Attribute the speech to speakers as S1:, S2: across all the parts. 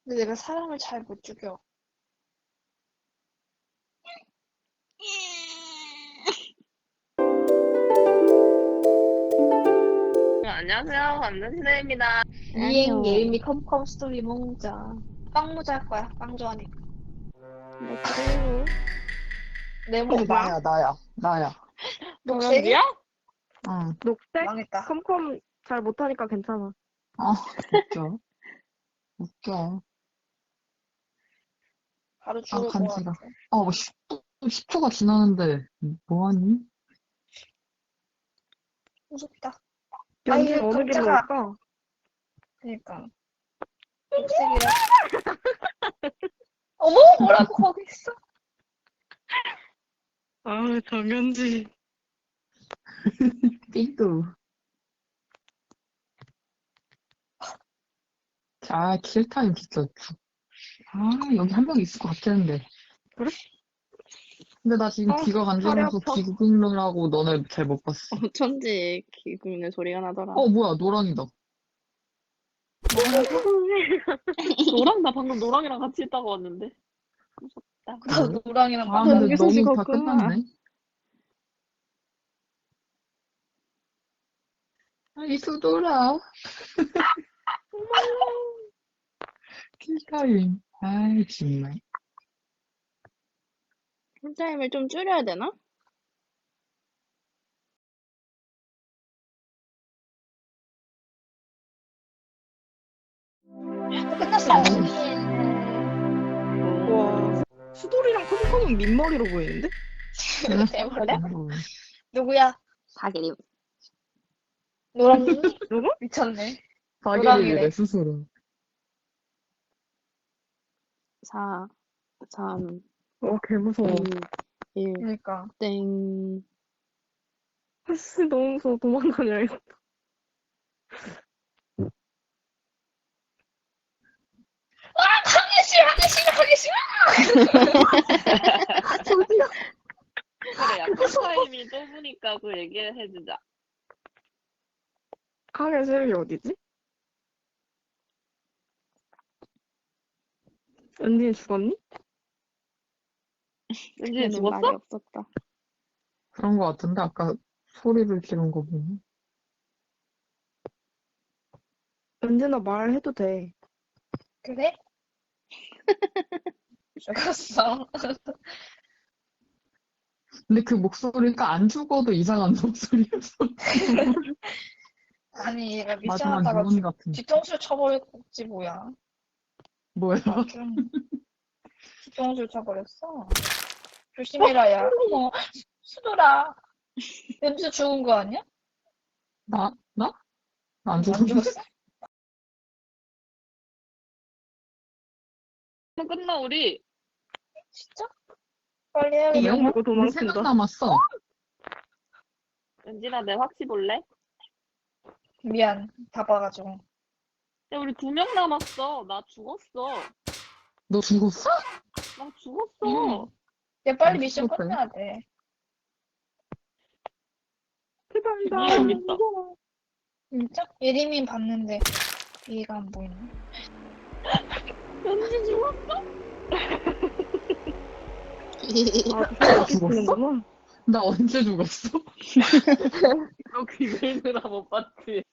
S1: 근데 내가 사람을 잘 못 죽여.
S2: 안녕하세요. 완전시대입니다.
S1: 이행 예림이 컴컴 스토리 몽자. 빵 모자 할 거야. 빵 좋아하니까.
S2: 네, 그래요.
S1: 네모
S3: 나야, 나야.
S1: 녹색이?
S2: 저녁이야?
S3: 응.
S4: 녹색?
S1: 망했다.
S4: 컴컴 잘 못하니까 괜찮아.
S3: 웃겨. 웃겨.
S1: 바로 죽을 것
S3: 간지가.
S1: 같아.
S3: 뭐 10초가 지나는데, 뭐하니?
S1: 무섭다.
S4: 연진
S1: 아유,
S4: 어느 길로
S1: 깜짝아.
S4: 올까?
S1: 그니까. 녹색이라. 어머, 뭐라고 거기 있어?
S4: 아, 정연지.
S3: 삐뚤. 킬타임 진짜 여기 한 명 있을 것 같았는데.
S4: 그래?
S3: 근데 나 지금 귀가
S4: 팔이
S3: 간지러서
S4: 아파.
S3: 귀 긁느라고 너네 잘 못 봤어.
S2: 어쩐지 귀 긁는 소리가 나더라.
S3: 뭐야, 노랑이다.
S2: 노랑, 나 방금 노랑이랑 같이 있다고 왔는데. 무섭다.
S1: 나도 노랑이랑
S3: 아,
S1: 빵
S3: 근데
S4: 여기서
S3: 너무 다
S4: 죽었구나.
S3: 끝났네. 이수돌아. 킬타임. 정말.
S2: 풀타임을 좀 줄여야 되나?
S1: 끝났어.
S4: 와, 수돌이랑 컴컴은 민머리로 보이는데?
S1: 대머리야?
S3: 아이고.
S1: 누구야?
S2: 사기림.
S1: 노랑이니?
S4: 누구?
S1: 미쳤네.
S3: 사기를 스스로.
S2: 4, 3,
S4: 와, 개무서워.
S2: 2, 1,
S1: 그니까.
S2: 땡.
S4: 아씨, 너무 무서워. 도망다녀야겠다.
S1: 하기 싫어.
S4: 저기요.
S2: 그래, 야, 풀타임이 좁으니까 그 얘기를 해주자.
S4: 카게 세력이 어디지? 연진이 죽었니?
S2: 왠지
S4: 걔는
S2: 죽었어?
S4: 말이
S2: 없었다.
S3: 그런 거 같은데, 아까 소리를 지른 거 보면.
S4: 연진아 말해도 돼.
S1: 그래? 죽었어.
S3: 근데 그 목소리가 안 죽어도 이상한 목소리였어.
S1: 아니, 얘가
S3: 마지막
S1: 미션하다가
S3: 유언 같은.
S1: 뒤통수 쳐버렸지, 뭐야.
S3: 뭐야?
S1: 좀 뒤통수 쳐버렸어. 조심해라, 야. 어머, 수돌아. 냄새 죽은 거 아니야?
S3: 나? 나 안
S1: 안
S3: 죽었는데?
S1: 죽었어?
S2: 끝나, 우리.
S1: 진짜? 빨리
S3: 이
S1: 해야겠다.
S3: 영화
S4: 이거
S3: 우리 3명
S4: 도망친다.
S3: 남았어.
S2: 연진아, 내 확시 볼래?
S1: 미안, 바빠가지고.
S2: 야, 우리 2명 남았어. 나 죽었어.
S3: 너 죽었어?
S2: 나 죽었어.
S1: 야, 빨리
S3: 안
S1: 미션
S3: 죽었어요?
S1: 끝내야 돼.
S4: 대박이다.
S2: 위에 여기 있다.
S1: 진짜? 예림이 봤는데 얘가 안 보이네.
S2: 연진 죽었어?
S4: 아,
S3: 죽었어?
S4: 죽었구나.
S3: 나 언제 죽었어?
S2: 너 귀 긁느라 못 봤지?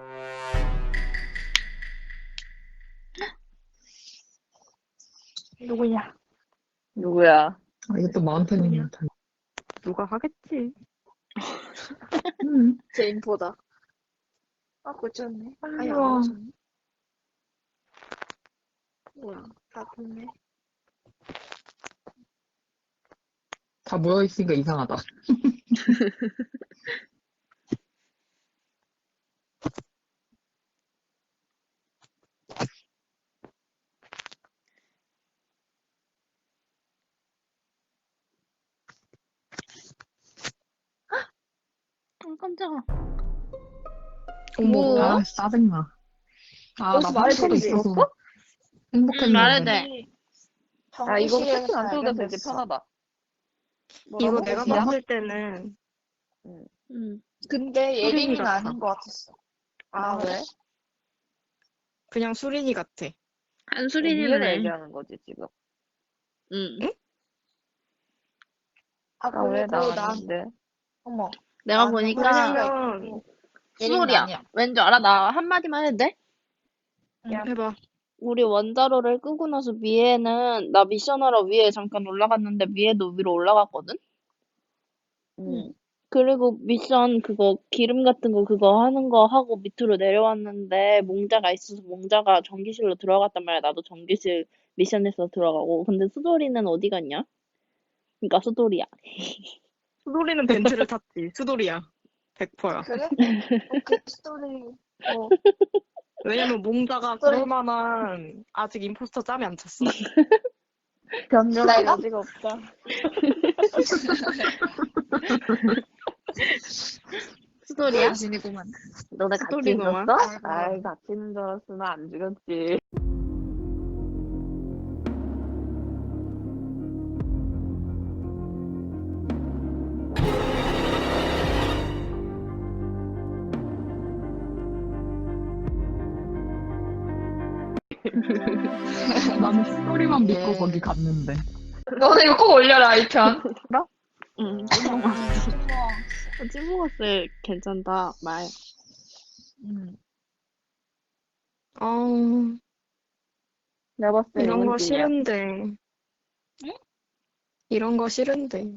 S1: 누구냐?
S2: 누구야?
S3: 이것도 마운틴님 탓.
S4: 누가 하겠지?
S1: 제인보다. 아, 고쳤네. 아니, 안
S3: 우와.
S1: 고쳤네. 뭐야, 다 됐네.
S3: 다 모여있으니까 이상하다.
S2: 깜짝아.
S4: 어머,
S1: 뭐야?
S3: 짜증나. 나
S1: 여기서 말해도
S3: 수도
S1: 되지?
S3: 있어서 행복했는데.
S2: 말해도 돼.
S1: 아,
S2: 이거 패스 안 써도 되지, 편하다.
S4: 이거 내가
S1: 뭐야?
S4: 봤을 때는
S1: 근데
S4: 수린이
S1: 예림이는
S4: 같아.
S1: 아닌 것 같았어.
S2: 아, 왜?
S4: 그냥 수린이 같아.
S2: 한
S5: 미애를
S2: 수린이네.
S5: 얘기하는 거지 지금.
S2: 응.
S1: 아,
S5: 나 왜
S1: 그리고 난,
S5: 나왔는데?
S1: 어머,
S2: 내가
S1: 나는
S2: 보니까
S1: 홀수가
S4: 왜냐면
S1: 있고, 예림은
S2: 수돌이야.
S1: 아니야.
S2: 왠지 알아? 나 한마디만 해도 돼?
S1: 야,
S4: 해봐.
S2: 우리 원자로를 끄고 나서 미애는 나 미션하러 위에 잠깐 올라갔는데 미애도 위로 올라갔거든?
S5: 응.
S2: 그리고 미션 그거 기름 같은 거 그거 하는 거 하고 밑으로 내려왔는데 몽자가 있어서 몽자가 전기실로 들어갔단 말이야. 나도 전기실 미션에서 들어가고. 근데 수돌이는 어디 갔냐? 그러니까 수돌이야.
S4: 수돌이는 벤트를 탔지. 수돌이야. 100%야.
S1: 그래? 오케이, 스토리. 뭐,
S4: 왜냐면 몽자가
S1: 수돌이.
S4: 그럴 만한 아직 임포스터 짬이 안 찼어.
S5: 변명할
S1: 내가?
S5: 여지가 없다.
S2: 수돌이야?
S1: 자신이구만.
S5: 너네 같이
S2: 스토리구만.
S5: 있었어?
S1: 아이고.
S5: 아이 같이 있는 줄 알았으면 안 죽였지.
S3: 나는 스토리만 믿고
S1: 예.
S3: 거기 갔는데.
S1: 너는 이거 꼭 올려라, 이 편.
S2: 응, 찐먹었어.
S1: 찐먹.
S2: 찐먹었어. 괜찮다. 말.
S4: 아,
S5: 내가 봤을 때
S4: 이런 거
S5: 이문진이야.
S4: 싫은데.
S1: 응?
S4: 이런 거 싫은데.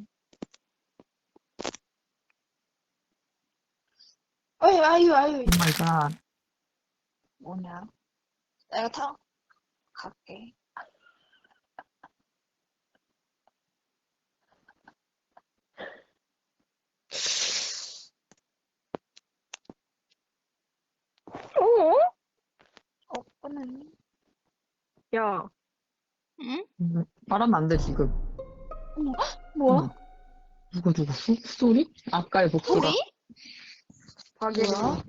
S1: 아유.
S3: 오 마이 갓.
S1: 뭐냐. 내가 갈게. 꺼내.
S4: 야,
S2: 응?
S3: 말하면 안 돼, 지금.
S1: 뭐야?
S3: 누구 죽었어? 스토리? 아까의 복수다.
S4: 박예림.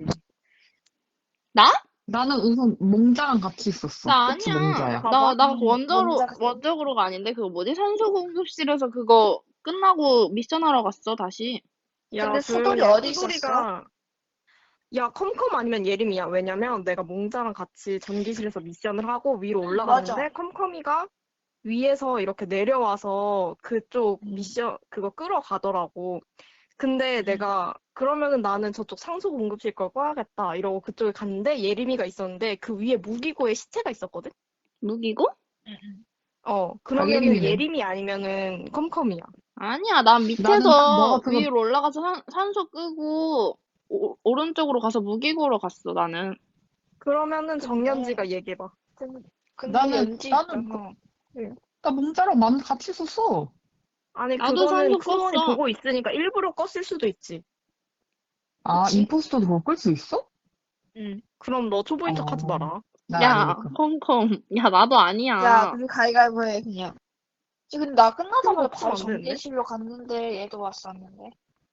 S3: 나는 우선 몽자랑 같이 있었어.
S2: 나
S3: 그치,
S2: 아니야.
S3: 몽자야.
S2: 나
S1: 먼저
S2: 원저로가 아닌데, 그거 뭐지? 산소 공급실에서 그거 끝나고 미션하러 갔어, 다시.
S4: 야,
S1: 근데 수돌이
S4: 조용히 해.
S1: 어디 있었어?
S4: 수돌이가 야, 컴컴 아니면 예림이야. 왜냐면 내가 몽자랑 같이 전기실에서 미션을 하고 위로 올라갔는데
S1: 맞아.
S4: 컴컴이가 위에서 이렇게 내려와서 그쪽 미션 그거 끌어가더라고. 근데 내가 그러면은 나는 저쪽 상수 공급실 걸 꺼야겠다 이러고 그쪽에 갔는데 예림이가 있었는데 그 위에 무기고에 시체가 있었거든.
S2: 무기고?
S4: 그러면은
S3: 박예림이네.
S4: 예림이 아니면은 컴컴이야.
S2: 아니야, 난
S3: 나는
S2: 밑에서
S3: 너가 그거
S2: 위로 올라가서 산소 끄고, 오른쪽으로 가서 무기고로 갔어, 나는.
S4: 그러면은 정연지가 얘기해봐.
S1: 근데
S3: 나는-
S1: 연지
S3: 나는
S1: 있잖아.
S3: 나 몽자랑 같이 있었어.
S4: 아니
S2: 나도
S4: 그거는
S2: 산소
S4: 크루원이
S2: 껐어.
S4: 보고 있으니까 일부러 껐을 수도 있지.
S3: 아,
S1: 그치?
S3: 임포스터도 그걸 끌 수 있어?
S4: 응. 그럼 너 초보인 척 하지 마라.
S3: 나
S2: 야,
S3: 아니니까.
S2: 컴컴. 야, 나도 아니야.
S1: 야, 그게 가위가위보 해, 그냥. 지금 나 끝나자마자
S4: 그거
S1: 바로
S4: 안 되는데?
S1: 전기실로 갔는데 얘도 왔었는데.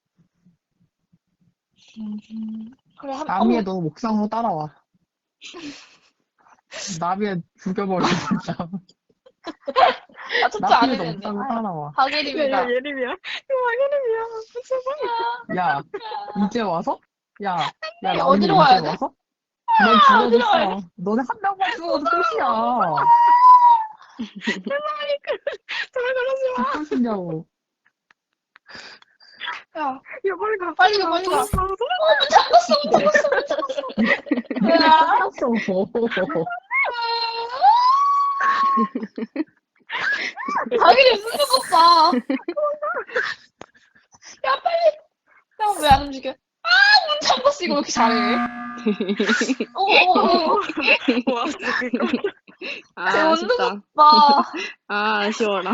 S1: 그래,
S3: 나미에 너 목상으로 따라와. 나미에 죽여버려, 진짜.
S1: 아, 첩자 안
S3: 나미에 너
S1: 했는데.
S3: 목상으로 따라와.
S1: 하계림이다.
S4: 예림이야. 이거 예림이야. 제발.
S3: 야, 이제 와서? 야,
S1: 아니,
S3: 나미
S1: 어디로
S3: 이제
S1: 와야 돼?
S3: 와서? 넌
S1: 어디로 가야
S3: 죽어줬어. 너네 한 명만 죽어도 끝이야.
S4: 제발 그러지 마.
S3: 죽으시냐고.
S1: 야,
S4: 야, 빨리 가.
S1: 빨리 가, 빨리 가.
S4: 가.
S1: 문 잠갔어. 야,
S3: 끝났어.
S1: 하계림 문 잠갔어. 야, 빨리. 야, 왜 안 움직여? 아, 문 잠갔어. 이거 왜 이렇게 잘해? 오.
S4: 와, 진짜.
S2: 아, 아쉽다.
S1: 봐.
S2: 아, 아쉬워라.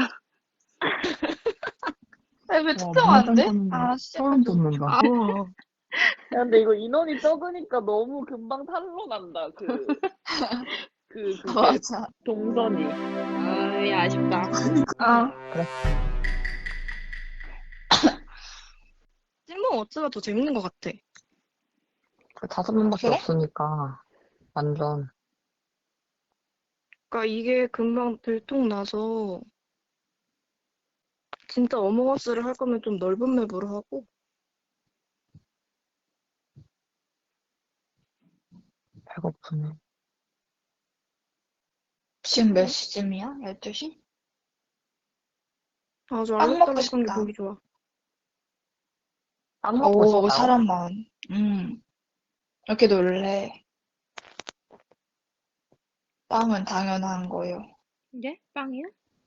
S1: 왜
S3: 와,
S1: 특정 안 돼?
S3: 문장
S1: 아,
S3: 떴는데
S1: 진짜.
S3: 소름 돋는다.
S2: 아.
S4: 우와.
S5: 야, 근데 이거 인원이 적으니까 너무 금방 탄로 난다. 그게
S1: 맞아.
S5: 동선이.
S2: 아이, 아쉽다.
S1: 아,
S4: 찐몽 어쩌가 더 재밌는 것 같아.
S3: 5명밖에
S1: 그래?
S3: 없으니까 완전
S4: 그러니까 이게 금방 들통나서 진짜 어몽어스를 할 거면 좀 넓은 맵으로 하고
S3: 배고프네.
S1: 지금 몇 시쯤이야? 12시?
S4: 아주
S1: 빵 먹고
S4: 알록달록한 게
S1: 싶다.
S4: 보기 좋아.
S5: 안 먹고
S1: 오,
S5: 싶다.
S1: 사람 많. 이렇게 놀래. 빵은 당연한 거요.
S2: 이게? 빵이야?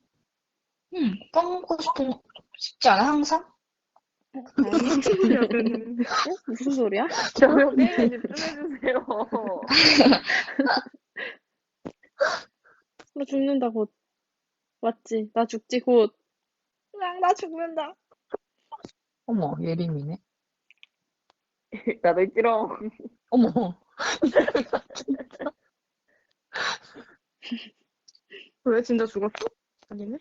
S1: 빵 먹고 싶지 않아, 항상?
S4: 무슨 소리야, 쟤는.
S2: 무슨 소리야?
S5: 저요 게임에 집중해주세요.
S2: 나 죽는다, 곧. 맞지? 나 죽지, 곧. 나 죽는다.
S3: 어머, 예림이네.
S5: 나도 있지롱.
S3: 어머,
S4: 왜 진짜 죽었어? 아니네.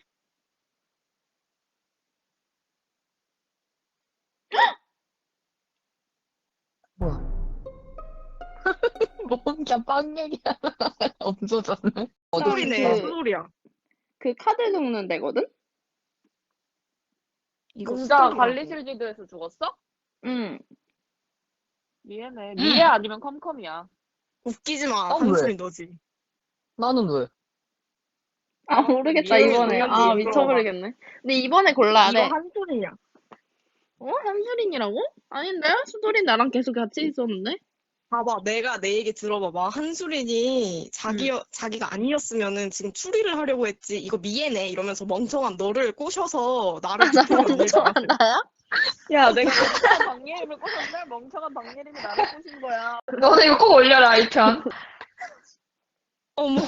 S3: 뭐야. 뭔가 빵 얘기야. 없어졌네.
S4: 수소리네,
S2: 그-
S4: 수소리야.
S2: 그 카드 긁는 데거든?
S4: 이거
S5: 진짜
S4: 수소리라고.
S5: 관리실 지도에서 죽었어?
S2: 응.
S5: 미애네. 미애 아니면 컴컴이야.
S4: 웃기지 마.
S3: 어, 왜?
S4: 한소리 너지.
S3: 나는 왜?
S2: 아, 모르겠다,
S5: 이해를
S2: 이번에.
S5: 못하지,
S2: 아,
S5: 이거
S2: 미쳐버리겠네. 근데 이번에 골라야
S4: 이거
S2: 돼.
S4: 한소리냐.
S2: 어? 한수린이라고? 아닌데? 수도린 나랑 계속 같이 있었는데?
S4: 봐봐, 내가 내 얘기 들어봐봐. 한수린이 자기가 아니었으면은 지금 추리를 하려고 했지. 이거 미애네 이러면서 멍청한 너를 꼬셔서 나를
S2: 나
S4: 죽이려 만들지
S2: 멍청한
S4: 않았어.
S2: 나야?
S5: 야, 내가 멍청한 박예림을 꼬셨네? 멍청한 박예림이 나를 꼬신 거야.
S1: 너는 이거 꼭 올려라, 이 편.
S4: 어머,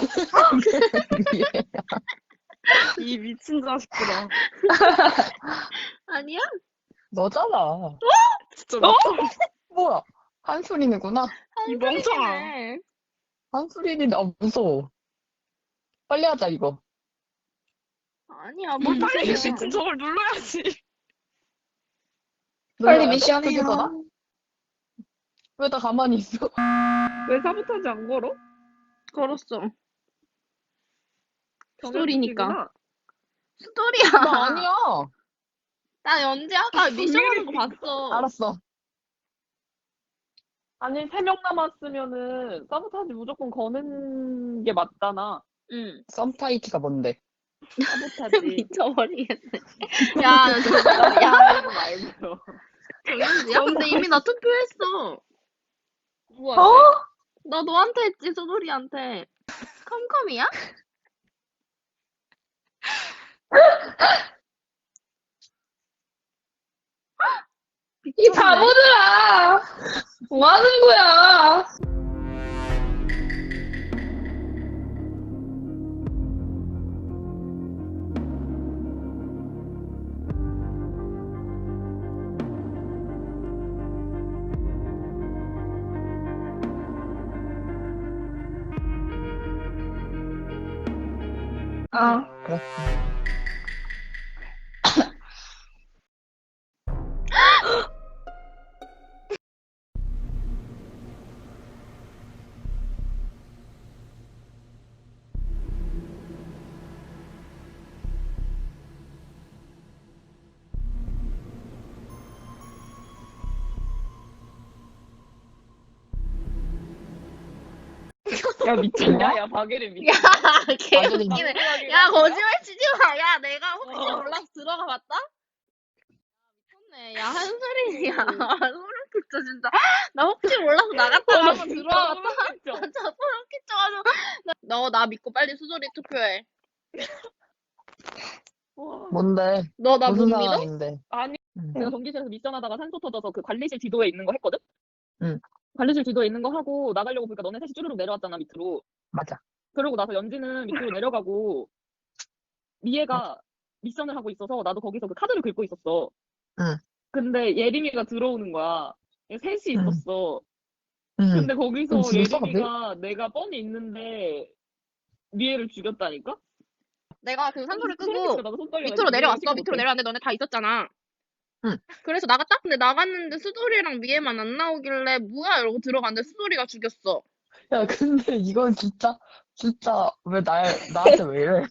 S4: 이 미친 자식들아.
S2: 아니야?
S3: 너잖아.
S4: 진짜 미쳐.
S3: 뭐야? 한수린이구나.
S4: 이 멍청아.
S2: 한수린이네.
S3: 한수린이 나 무서워. 빨리 하자, 이거.
S2: 아니야, 뭐
S4: 빨리
S2: 무슨
S4: 미친 저걸 눌러야지.
S1: 빨리
S3: 눌러야 돼?
S1: 미션
S3: 그게
S1: 해요.
S3: 더나? 왜 나 가만히 있어?
S5: 왜 사보타지 안 걸어?
S2: 걸었어. 수돌이니까.
S5: 경연특기구나.
S2: 수돌이야.
S3: 나 아니야.
S2: 나 연지 아까 미션 하는 거 봤어.
S3: 알았어.
S5: 아니, 3명 남았으면은 사보타지 무조건 거는 게 맞잖아.
S2: 응.
S3: 썸타이트가 뭔데?
S5: 사보타지.
S2: 미쳐버리겠네. 야, 나 진짜, 야,
S5: 야, 말고요.
S2: 정현지야? 근데 이미 나 투표했어.
S5: 누구야?
S2: 나 너한테 했지, 수돌이한테. 컴컴이야?
S1: 이 바보들아! 뭐 하는 거야? 아,
S3: 그렇지.
S5: 야, 미쳤냐? 야, 박예림 미쳤냐?
S2: 야, 개
S3: 완전히
S2: 웃기네.
S5: 멍청하게
S2: 야,
S5: 봤어?
S2: 거짓말 치지 마. 야, 내가 혹시 몰라서 들어가 봤다? 미쳤네. 야, 한소린이야. 소름 끼쳐, 진짜. 나 혹시 몰라서 나갔다가 한번 들어와 봤다?
S5: 진짜.
S2: 진짜 소름 끼쳐가지고. 너 나 믿고 빨리 수소리 투표해.
S5: 와.
S3: 뭔데?
S2: 너 나 못
S3: 무슨
S2: 믿어?
S3: 상황인데?
S5: 아니,
S3: 응.
S5: 내가 전기실에서 미션 하다가 산소 터져서 그 관리실 지도에 있는 거 했거든?
S3: 응.
S5: 관리실 지도에 있는 거 하고 나가려고 보니까 너네 셋이 쭈르륵 내려왔잖아, 밑으로.
S3: 맞아.
S5: 그러고 나서 연지는 밑으로 내려가고 미애가 미션을 하고 있어서 나도 거기서 그 카드를 긁고 있었어.
S3: 응.
S5: 근데 예림이가 들어오는 거야. 셋이
S3: 응.
S5: 있었어.
S3: 응.
S5: 근데 거기서
S3: 그럼 죽였어,
S5: 예림이가 내가 뻔히 있는데 미애를 죽였다니까?
S2: 내가 그 산소를
S5: 소름
S2: 끄고
S5: 끼쳐, 나도 손 떨려가지고
S2: 밑으로 내려왔어.
S5: 이해를
S2: 밑으로
S5: 못해.
S2: 내려왔는데 너네 다 있었잖아.
S3: 응.
S2: 그래서 나갔다? 근데 나갔는데 수돌이랑 미애만 안 나오길래 뭐야 이러고 들어갔는데 수돌이가 죽였어.
S3: 야, 근데 이건 진짜 왜 나한테 왜 이래?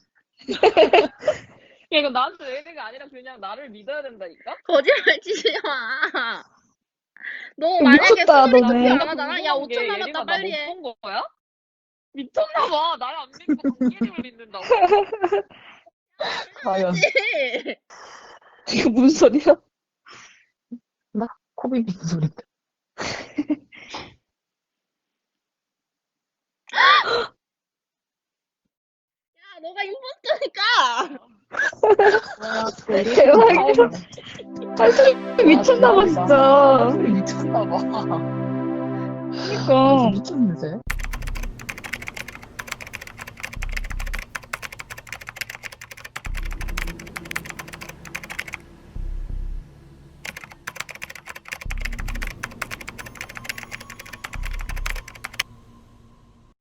S5: 야, 이거 나한테 예림이가 아니라 그냥 나를 믿어야 된다니까?
S2: 거짓말 치지 마. 너 만약에
S1: 미쳤다,
S2: 수돌이
S1: 너네.
S2: 투표 안 하잖아? 야,
S5: 궁금한 게
S2: 5초
S5: 예림아,
S2: 남았다,
S5: 나
S2: 빨리
S5: 못
S2: 해.
S5: 본 거야? 미쳤나봐. 나를 안 믿고 공개님을 믿는다고.
S3: 과연
S2: 이거 무슨 소리야?
S3: 코 비비는 소리인데.
S2: 야, 너가 임포스터니까!
S1: 대박이다. 미쳤나봐, 진짜.
S3: 미쳤나봐.
S1: 그니까.
S3: 미쳤는데.